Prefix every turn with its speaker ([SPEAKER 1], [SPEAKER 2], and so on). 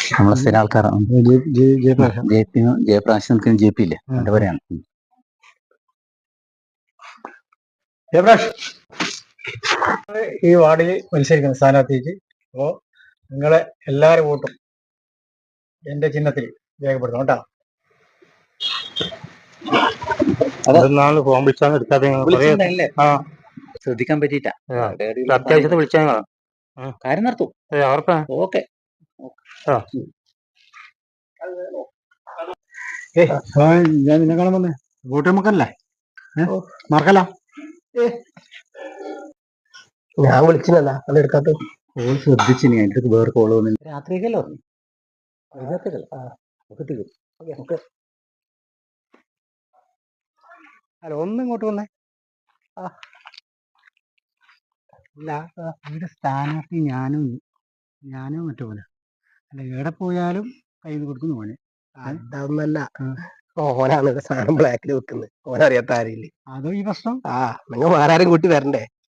[SPEAKER 1] നമ്മളെ സ്ഥിര ആൾക്കാരാണ്. ജയപ്രാശ് നിൽക്കുന്ന ജെ പി ഇല്ലേ, എന്റെ പറയാണ്.
[SPEAKER 2] ജയപ്രാഷ് ഈ വാർഡിൽ മത്സരിക്കുന്ന സ്ഥാനാർത്ഥിക്ക് അപ്പോ നിങ്ങളെ എല്ലാരും വോട്ടും എന്റെ ചിഹ്നത്തിൽ രേഖപ്പെടുത്തണം കേട്ടോ.
[SPEAKER 3] ഫോൺ വിളിച്ചാൽ എടുക്കാതെ
[SPEAKER 1] ശ്രദ്ധിക്കാൻ പറ്റിയിട്ടാ.
[SPEAKER 3] അത്യാവശ്യത്തെ വിളിച്ചാൽ
[SPEAKER 1] കാര്യം നടത്തും. ഓക്കെ.
[SPEAKER 2] ഞാൻ നിന്നെ കാണാൻ വന്നേ വോട്ട് നമുക്കല്ലേ മറക്കല്ല.
[SPEAKER 4] ഞാൻ വിളിച്ചില്ല അത് എടുക്കാത്ത
[SPEAKER 1] കോൾ ശ്രദ്ധിച്ചിനി. അതിന്റെ അടുത്ത് വേറെ കോള് വന്നില്ല. രാത്രിക്കല്ലോ
[SPEAKER 2] അല്ല ഒന്ന് ഇങ്ങോട്ട് വന്നേ. അല്ല ഇവിടെ സ്ഥാനാർത്ഥി ഞാനും മറ്റു പോലെ അല്ല, എവിടെ പോയാലും കയ്യിൽ നിന്ന് കൊടുക്കുന്നു മോനെ.
[SPEAKER 4] അതൊന്നല്ല, ഓനാണ് സാധനം ബ്ലാക്കിൽ വെക്കുന്നത്. ഓനറിയാത്ത ആരില്ലേ?
[SPEAKER 2] അതോ ഈ പ്രശ്നം?
[SPEAKER 4] നിങ്ങൾ വേറെ ആരും കൂട്ടി വരണ്ടേ?